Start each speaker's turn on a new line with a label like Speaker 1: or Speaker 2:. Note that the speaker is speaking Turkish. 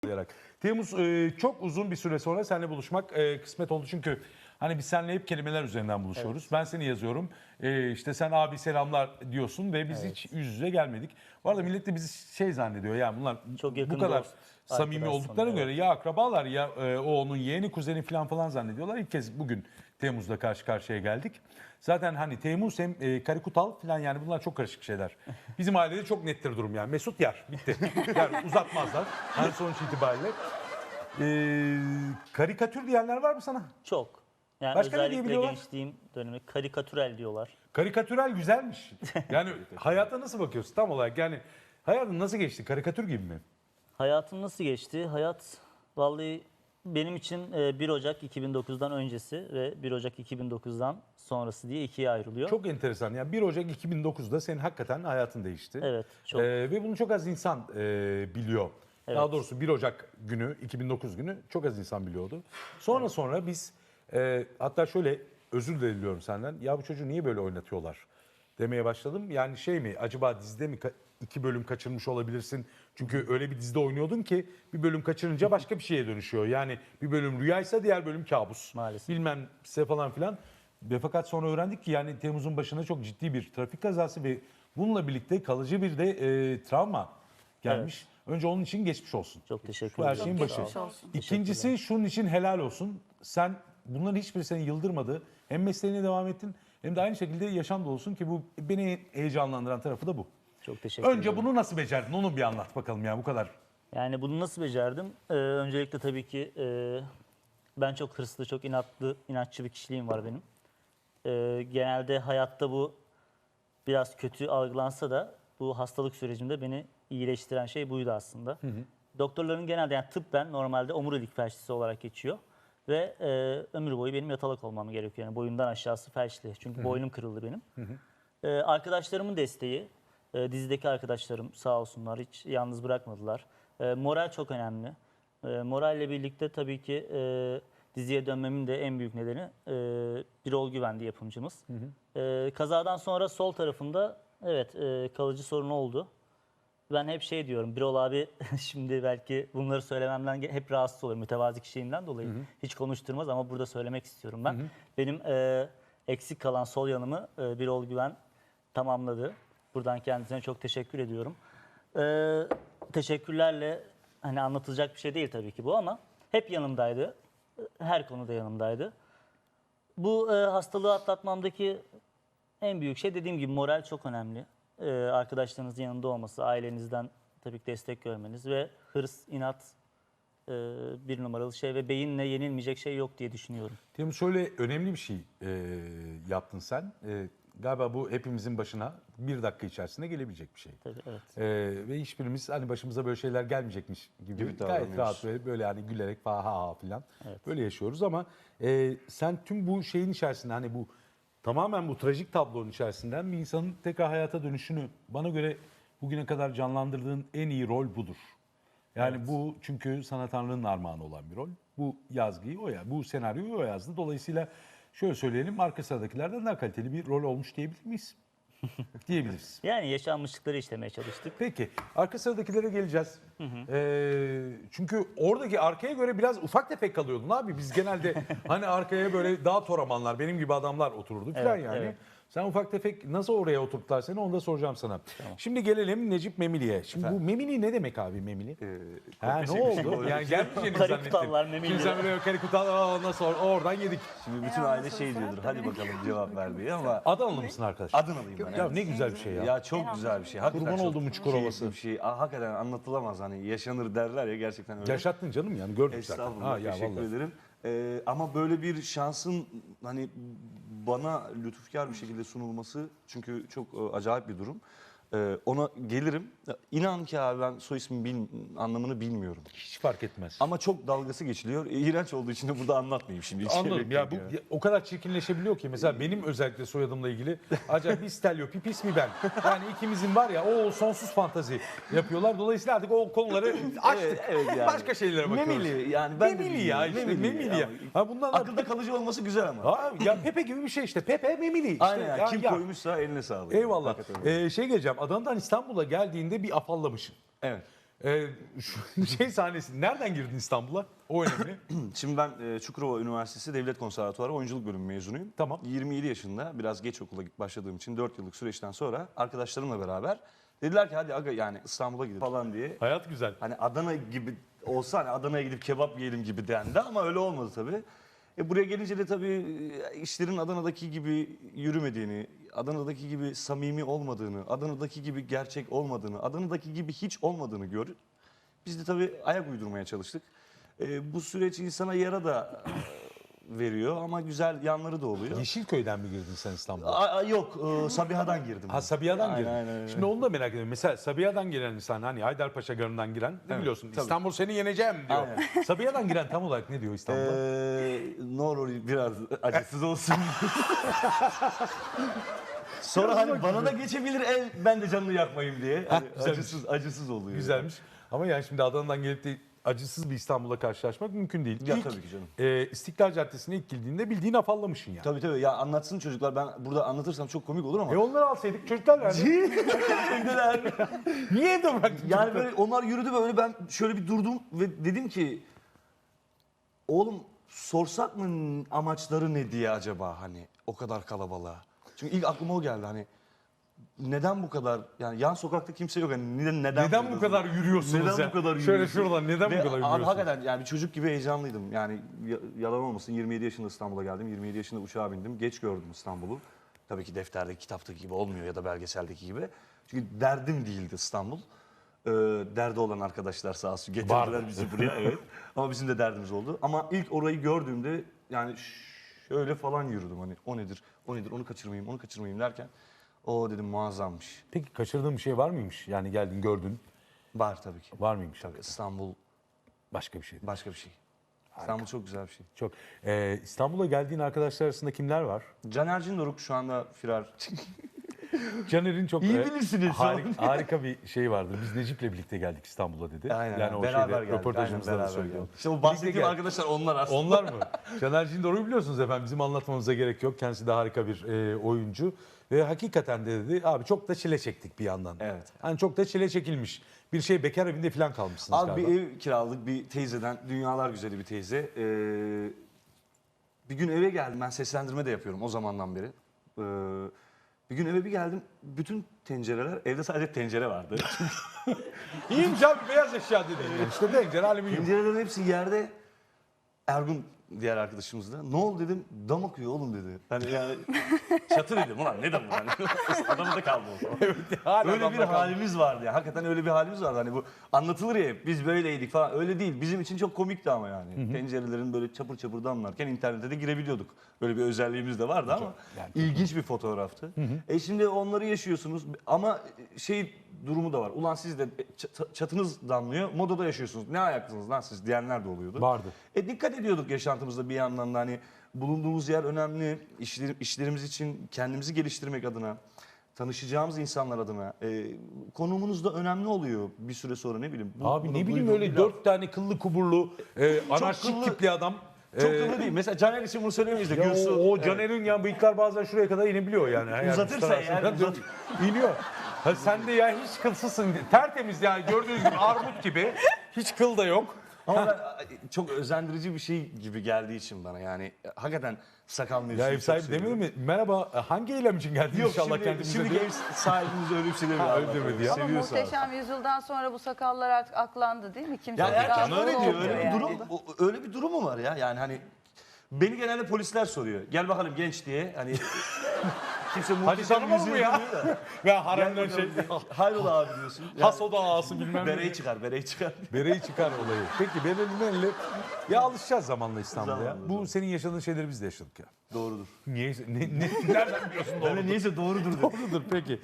Speaker 1: Olarak. Temmuz çok uzun bir süre sonra seninle buluşmak kısmet oldu çünkü hani biz seninle hep kelimeler üzerinden buluşuyoruz. Ben seni yazıyorum. İşte sen abi selamlar diyorsun ve biz hiç yüz yüze gelmedik. Bu arada millet de bizi şey zannediyor ya bunlar
Speaker 2: Çok
Speaker 1: bu
Speaker 2: yakın
Speaker 1: kadar
Speaker 2: dost,
Speaker 1: samimi
Speaker 2: arkadaş
Speaker 1: olduklarına
Speaker 2: sanıyor,
Speaker 1: göre ya akrabalar ya o onun yeğeni kuzeni falan zannediyorlar. İlk kez bugün Temmuz'da karşı karşıya geldik. Zaten hani Temmuz hem Karikutal falan yani bunlar çok karışık şeyler. Bizim ailede çok nettir durum yani. Mesut yer bitti. Yani uzatmazlar. Hani sonuç itibariyle. Karikatür diyenler var mı sana?
Speaker 2: Çok. Yani
Speaker 1: Başka ne
Speaker 2: özellikle
Speaker 1: diyebiliyorlar?
Speaker 2: gençliğim dönemi karikatürel diyorlar.
Speaker 1: Karikatürel güzelmiş. Yani hayata nasıl bakıyorsun tam olarak? Yani hayatın nasıl geçti? Karikatür gibi mi?
Speaker 2: Hayatım nasıl geçti? Hayat vallahi benim için 1 Ocak 2009'dan öncesi ve 1 Ocak 2009'dan sonrası diye ikiye ayrılıyor.
Speaker 1: Çok enteresan. Yani 1 Ocak 2009'da senin hakikaten hayatın değişti.
Speaker 2: Evet, çok.
Speaker 1: Ve bunu çok az insan biliyor. Daha
Speaker 2: Evet.
Speaker 1: doğrusu 1 Ocak günü, 2009 günü çok az insan biliyordu. Sonra biz hatta şöyle özür de diliyorum senden. Ya bu çocuğu niye böyle oynatıyorlar demeye başladım. Yani şey mi acaba dizide mi 2 bölüm kaçırmış olabilirsin? Çünkü öyle bir dizide oynuyordun ki bir bölüm kaçırınca başka bir şeye dönüşüyor. Yani bir bölüm rüyaysa diğer bölüm kabus.
Speaker 2: Maalesef.
Speaker 1: Bilmem size falan filan. Ve fakat sonra öğrendik ki yani Temmuz'un başına çok ciddi bir trafik kazası ve bununla birlikte kalıcı bir de travma gelmiş. Önce onun için geçmiş olsun.
Speaker 2: Çok teşekkür
Speaker 1: Bu her
Speaker 2: ederim.
Speaker 1: şeyin
Speaker 2: Çok
Speaker 1: başı.
Speaker 2: sağ olun.
Speaker 3: olsun.
Speaker 1: İkincisi şunun için helal olsun. Sen bunların hiçbiri seni yıldırmadı. Hem mesleğine devam ettin hem de aynı şekilde yaşam dolusun ki bu beni heyecanlandıran tarafı da bu.
Speaker 2: Çok teşekkür ederim.
Speaker 1: Önce bunu nasıl becerdin onu bir anlat bakalım ya bu kadar.
Speaker 2: Yani bunu nasıl becerdim? Öncelikle tabii ki ben çok hırslı, çok inatçı bir kişiliğim var benim. Genelde hayatta bu biraz kötü algılansa da bu hastalık sürecimde beni iyileştiren şey buydu aslında. Doktorların genelde yani tıbben normalde omurilik felçlisi olarak geçiyor. Ve ömür boyu benim yatalak olmam gerekiyor. Yani boyumdan aşağısı felçli. Çünkü boynum kırıldı benim. Arkadaşlarımın desteği, dizideki arkadaşlarım sağ olsunlar hiç yalnız bırakmadılar. Moral çok önemli. Moralle birlikte tabii ki diziye dönmemin de en büyük nedeni Birol Güvendi yapımcımız. Kazadan sonra sol tarafımda evet kalıcı sorun oldu. Ben hep şey diyorum, Birol abi şimdi belki bunları söylememden hep rahatsız oluyor mütevazi kişiliğimden dolayı. Hiç konuşturmaz ama burada söylemek istiyorum ben. Benim eksik kalan sol yanımı Birol Güven tamamladı. Buradan kendisine çok teşekkür ediyorum. Teşekkürlerle hani anlatılacak bir şey değil tabii ki bu ama hep yanımdaydı. Her konuda yanımdaydı. Bu hastalığı atlatmamdaki en büyük şey dediğim gibi moral çok önemli. Arkadaşlarınızın yanında olması, ailenizden tabii ki destek görmeniz ve hırs, inat bir numaralı şey ve beyinle yenilmeyecek şey yok diye düşünüyorum.
Speaker 1: Temmuz şöyle önemli bir şey yaptın sen. Galiba bu hepimizin başına bir dakika içerisinde gelebilecek bir şey.
Speaker 2: Tabii, evet.
Speaker 1: Ve hiçbirimiz hani başımıza böyle şeyler gelmeyecekmiş gibi gayet
Speaker 4: davranıyoruz.
Speaker 1: rahat böyle hani gülerek ha ha falan
Speaker 2: Evet.
Speaker 1: böyle yaşıyoruz ama sen tüm bu şeyin içerisinde hani bu tamamen bu trajik tablonun içerisinden bir insanın tekrar hayata dönüşünü bana göre bugüne kadar canlandırdığın en iyi rol budur. Yani bu çünkü sana Tanrı'nın armağanı olan bir rol. Bu yazgıyı bu senaryoyu o yazdı. Dolayısıyla şöyle söyleyelim arka sıradakilerden daha kaliteli bir rol olmuş diyebilir miyiz? Diyebiliriz.
Speaker 2: Yani yaşanmışlıkları işlemeye çalıştık.
Speaker 1: Peki arka sıradakilere geleceğiz. Çünkü oradaki arkaya göre biraz ufak tefek kalıyordun abi. Biz genelde hani arkaya böyle daha toramanlar benim gibi adamlar otururduk falan
Speaker 2: Evet,
Speaker 1: yani.
Speaker 2: evet.
Speaker 1: Sen ufak tefek nasıl oraya oturttular seni onu da soracağım sana. Şimdi gelelim Necip Memili'ye. Şimdi bu Memili ne demek abi Memili? Ne oldu? Yani gelmeyeceğini
Speaker 2: Karikutallar,
Speaker 1: zannettim.
Speaker 2: Memili.
Speaker 1: Şimdi sen böyle karikutal nasıl oradan yedik.
Speaker 4: Şimdi bütün aile şey diyordur, hadi bakalım cevap ver diye ama
Speaker 1: Adanalı mısın arkadaş?
Speaker 4: Adınalıyım ben.
Speaker 1: Ya
Speaker 4: evet.
Speaker 1: ne güzel bir şey ya.
Speaker 4: Ya çok güzel bir şey. Hakikaten
Speaker 1: Kurban
Speaker 4: çok
Speaker 1: olduğum Çukurova'sı.
Speaker 4: keyifli bir şey. Hakikaten anlatılamaz hani yaşanır derler ya gerçekten öyle.
Speaker 1: Yaşattın canım yani gördük zaten.
Speaker 4: Estağfurullah
Speaker 1: Ya
Speaker 4: teşekkür
Speaker 1: vallahi.
Speaker 4: ederim. Ama böyle bir şansın hani bana lütufkar bir şekilde sunulması çünkü çok acayip bir durum. Ona gelirim. İnan ki abi ben soy ismin anlamını bilmiyorum.
Speaker 1: Hiç fark etmez.
Speaker 4: Ama çok dalgası geçiliyor. İğrenç olduğu için de burada anlatmayayım şimdi. Hiç
Speaker 1: Anladım
Speaker 4: gerek
Speaker 1: ya
Speaker 4: yok
Speaker 1: bu
Speaker 4: yani.
Speaker 1: o kadar çirkinleşebiliyor ki mesela benim özellikle soyadımla ilgili acaba biz Stelio Pipis mi ben? Yani ikimizin var ya o sonsuz fantazi yapıyorlar. Dolayısıyla artık o konuları açtık.
Speaker 4: Evet yani.
Speaker 1: Başka şeylere bakıyoruz.
Speaker 4: Memili yani ben de
Speaker 1: Memili ya
Speaker 4: bilmiyorum.
Speaker 1: işte Memili ya. Ha bundan
Speaker 4: Akılda kalıcı olması güzel ama.
Speaker 1: ya Pepe gibi bir şey işte. Pepe Memili işte.
Speaker 4: Aynen ya. Kim
Speaker 1: ya.
Speaker 4: koymuşsa eline sağlık.
Speaker 1: Eyvallah.
Speaker 4: Hakikaten öyle.
Speaker 1: Şey geleceğim. Adana'dan İstanbul'a geldiğinde bir afallamışsın.
Speaker 4: Evet.
Speaker 1: Şu şey sahnesi. Nereden girdin İstanbul'a? O önemli.
Speaker 4: Şimdi ben Çukurova Üniversitesi Devlet Konservatuarı Oyunculuk Bölümü mezunuyum.
Speaker 1: Tamam.
Speaker 4: 27 yaşında biraz geç okula başladığım için 4 yıllık süreçten sonra arkadaşlarımla beraber dediler ki hadi aga yani İstanbul'a gidelim falan diye.
Speaker 1: Hayat güzel.
Speaker 4: Hani Adana gibi olsa hani Adana'ya gidip kebap yiyelim gibi dendi ama öyle olmadı tabii. Buraya gelince de tabii işlerin Adana'daki gibi yürümediğini, Adana'daki gibi samimi olmadığını, Adana'daki gibi gerçek olmadığını, Adana'daki gibi hiç olmadığını gördük. Biz de tabii ayak uydurmaya çalıştık. Bu süreç insana yara da veriyor ama güzel yanları da oluyor.
Speaker 1: Yeşilköy'den mi girdin sen İstanbul'a?
Speaker 4: Yok, Sabiha'dan girdim.
Speaker 1: Ha Sabiha'dan
Speaker 4: Aynen,
Speaker 1: girdin.
Speaker 4: aynen, aynen.
Speaker 1: Şimdi onu da merak ediyorum. Mesela Sabiha'dan giren insan hani Haydarpaşa Garı'ndan giren ne biliyorsun?
Speaker 4: tabii.
Speaker 1: İstanbul seni yeneceğim diyor. Sabiha'dan giren tam olarak ne diyor İstanbul'a?
Speaker 4: Ne olur biraz acısız olsun. Sonra hani bana da geçebilir ben de canını yakmayayım diye. Hani
Speaker 1: güzelmiş.
Speaker 4: acısız oluyor.
Speaker 1: Güzelmiş. Ama yani şimdi Adana'dan gelip de acısız bir İstanbul'la karşılaşmak mümkün değil.
Speaker 4: Ya tabii ki canım.
Speaker 1: İstiklal Caddesi'ne ilk girdiğinde bildiğin afallamışsın yani.
Speaker 4: Tabii ya anlatsın çocuklar ben burada anlatırsam çok komik olur ama.
Speaker 1: Onları alsaydık çocuklar nerede? Niye evde bıraktın?
Speaker 4: Yani böyle onlar yürüdü böyle ben şöyle bir durdum ve dedim ki oğlum sorsak mı amaçları ne diye acaba hani o kadar kalabalığa. Çünkü ilk aklıma o geldi hani neden bu kadar yani yan sokakta kimse yok hani
Speaker 1: Neden bu kadar yürüyorsunuz
Speaker 4: Neden
Speaker 1: ya?
Speaker 4: bu kadar
Speaker 1: Şöyle
Speaker 4: yürüyorsun?
Speaker 1: şuradan neden
Speaker 4: Ve
Speaker 1: bu kadar
Speaker 4: abi
Speaker 1: yürüyorsunuz?
Speaker 4: hakikaten yani bir çocuk gibi heyecanlıydım. Yani yalan olmasın 27 yaşında İstanbul'a geldim. 27 yaşında uçağa bindim. Geç gördüm İstanbul'u. Tabii ki defterdeki, kitaptaki gibi olmuyor ya da belgeseldeki gibi. Çünkü derdim değildi İstanbul. Derdi olan arkadaşlar sağ olsun getirdiler
Speaker 1: Vardı.
Speaker 4: bizi buraya. Evet. Ama bizim de derdimiz oldu. Ama ilk orayı gördüğümde yani şöyle falan yürüdüm hani o nedir, o nedir, onu kaçırmayayım derken o dedim muazzammış.
Speaker 1: Peki kaçırdığın bir şey var mıymış? Yani geldin gördün.
Speaker 4: Var tabii ki.
Speaker 1: Var mıymış?
Speaker 4: Tabii İstanbul
Speaker 1: Başka bir şey.
Speaker 4: başka bir şey. İstanbul çok güzel bir şey.
Speaker 1: Çok. İstanbul'a geldiğin arkadaşlar arasında kimler var?
Speaker 4: Caner Cindoruk şu anda firar.
Speaker 1: Caner'in çok
Speaker 4: İyi bilirsiniz.
Speaker 1: harika bir şey vardı. Biz Necip'le birlikte geldik İstanbul'a dedi.
Speaker 4: Aynen.
Speaker 1: Yani o
Speaker 4: beraber
Speaker 1: şeyde
Speaker 4: geldik.
Speaker 1: röportajımızda
Speaker 4: Aynen,
Speaker 1: da
Speaker 4: beraber
Speaker 1: söyledi.
Speaker 4: geldik. İşte o bahsettiğim
Speaker 1: geldik.
Speaker 4: arkadaşlar onlar aslında.
Speaker 1: Onlar mı? Caner Cindoruk'u biliyorsunuz efendim. Bizim anlatmamıza gerek yok. Kendisi de harika bir oyuncu. Ve hakikaten de dedi abi çok da çile çektik bir yandan.
Speaker 4: Evet.
Speaker 1: Hani çok da çile çekilmiş. Bir şey bekar evinde falan kalmışsınız
Speaker 4: Abi
Speaker 1: galiba.
Speaker 4: bir ev kiraladık bir teyzeden. Dünyalar güzeli bir teyze. Bir gün eve geldim. Ben seslendirme de yapıyorum o zamandan beri. Bir gün eve bir geldim. Bütün tencereler, evde sadece tencere vardı.
Speaker 1: İyiymiş abi beyaz eşya dedi. İşte tencere alüminyum.
Speaker 4: Tencerelerin hepsi yerde. Ergun diğer arkadaşımız da. Ne oldu dedim. Dam akıyor oğlum dedi. Hani yani çatı dedim. Ulan ne damı hani. Adamda kaldı o.
Speaker 1: Hala
Speaker 4: Öyle bir
Speaker 1: adamda kaldı.
Speaker 4: halimiz vardı ya. Hakikaten öyle bir halimiz vardı. Hani bu anlatılır ya hep, biz böyleydik falan. Öyle değil. Bizim için çok komikti ama yani. Tencerelerin böyle çapır çapır damlarken internete de girebiliyorduk. Böyle bir özelliğimiz de vardı ama
Speaker 1: yani
Speaker 4: ilginç bir fotoğraftı. Şimdi onları yaşıyorsunuz ama şey durumu da var. Ulan siz de çatınız damlıyor. Modada yaşıyorsunuz. Ne ayaklısınız lan siz diyenler de oluyordu.
Speaker 1: Vardı.
Speaker 4: Dikkat ediyorduk yaşantımızda bir yandan da hani bulunduğumuz yer önemli. İşlerimiz için kendimizi geliştirmek adına, tanışacağımız insanlar adına konumunuz da önemli oluyor bir süre sonra ne bileyim.
Speaker 1: Abi
Speaker 4: Bu
Speaker 1: ne
Speaker 4: da
Speaker 1: bileyim
Speaker 4: duyduğum
Speaker 1: öyle
Speaker 4: bir
Speaker 1: 4 tane kıllı kuburlu anarşik
Speaker 4: kıllı-
Speaker 1: tipli adam.
Speaker 4: laf. Çok kıllı değil. Mesela Caner için bunu söylemeyiz de.
Speaker 1: Ya
Speaker 4: Gürsu,
Speaker 1: o
Speaker 4: evet.
Speaker 1: Caner'in ya bıyıklar bazen şuraya kadar inebiliyor yani. Yani
Speaker 4: Uzatırsa
Speaker 1: üstten
Speaker 4: eğer,
Speaker 1: arasından iniyor. Ha, sen de ya hiç kılsızsın. Tertemiz yani gördüğünüz gibi armut gibi. Hiç kıl da yok.
Speaker 4: Ama ben, çok özendirici bir şey gibi geldiği için bana yani hakikaten sakal mevzusunu
Speaker 1: Ya ev
Speaker 4: çok
Speaker 1: sahibi
Speaker 4: seviyorum.
Speaker 1: demedi mi? Merhaba hangi eylem için geldin
Speaker 4: Yok
Speaker 1: inşallah
Speaker 4: şimdi,
Speaker 1: kendimize
Speaker 4: şimdi
Speaker 1: diyor.
Speaker 4: ev sahibimiz öyle bir şey demiyor.
Speaker 1: Ha, öyle demedi ya.
Speaker 3: Ama
Speaker 4: Seviyor sağ olsun.
Speaker 3: muhteşem yüzyıldan sonra bu sakallar artık aklandı değil mi? Kimse
Speaker 4: Ya herkes
Speaker 3: rahatsız
Speaker 4: öyle diyor.
Speaker 3: olmuyor
Speaker 4: Öyle bir
Speaker 3: yani.
Speaker 4: durum, öyle bir durum mu var ya? Yani hani beni genelde polisler soruyor. Gel bakalım genç diye. Hani kimse
Speaker 1: Hadi
Speaker 4: muhteşem
Speaker 1: tanımaz mı
Speaker 4: yüzyıl
Speaker 1: ya?
Speaker 4: demiyor da.
Speaker 1: Ve
Speaker 4: Gel
Speaker 1: haremden
Speaker 4: bakalım
Speaker 1: şey.
Speaker 4: diye. Hayrola abi diyorsun. Yani,
Speaker 1: Hasoda ağası bilmem ne.
Speaker 4: bereyi çıkar, bereyi çıkar.
Speaker 1: Bereyi çıkar olayı. Peki Berlin'le ya alışacağız zamanla İstanbul'a ya.
Speaker 4: Zamanla,
Speaker 1: Bu senin yaşadığın şeyleri biz de yaşadık ya.
Speaker 4: Doğrudur.
Speaker 1: Niye? Nereden biliyorsun
Speaker 4: Öyle neyse doğrudur.
Speaker 1: Doğrudur peki.